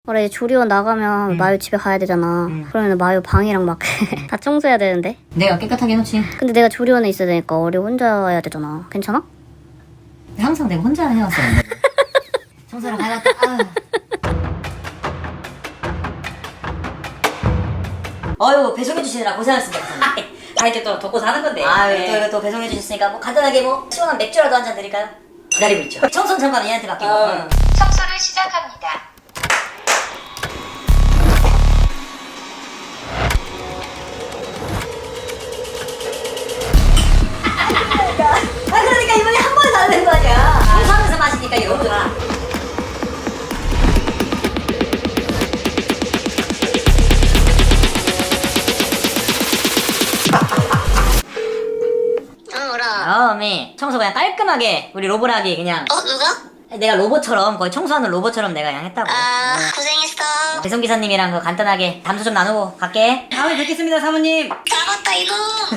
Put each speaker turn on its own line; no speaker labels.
그래 조리원 나가면 마유 집에 가야 되잖아. 그러면 마유 방이랑 막 다 청소해야 되는데.
내가 깨끗하게 해놓지.
근데 내가 조리원에 있어야 되니까 어리 혼자 해야 되잖아. 괜찮아?
항상 내가 혼자 해왔어. 청소를 해왔다. 어휴, 배송해주시느라 고생하셨습니다.
이렇게 또 돕고 사는 건데.
또 이거 또 배송해주셨으니까 뭐 간단하게 뭐 시원한 맥주라도 한 잔 드릴까요? 기다리고 있죠. 청소는 잠깐 얘한테 맡기고.
청소를 시작합니다.
그러니까 이번에 한 번에 다 되는 거 아니야. 청소하면서 마시니까 이거 너무 좋아. 어미 청소 그냥 깔끔하게 우리 로봇하기 그냥.
누가?
내가 로봇처럼 거의 청소하는 로봇처럼 내가 그냥 했다고.
고생했어.
배송기사님이랑 그 간단하게 담소 좀 나누고 갈게. 다음에 뵙겠습니다 사모님.
잡았다 이놈.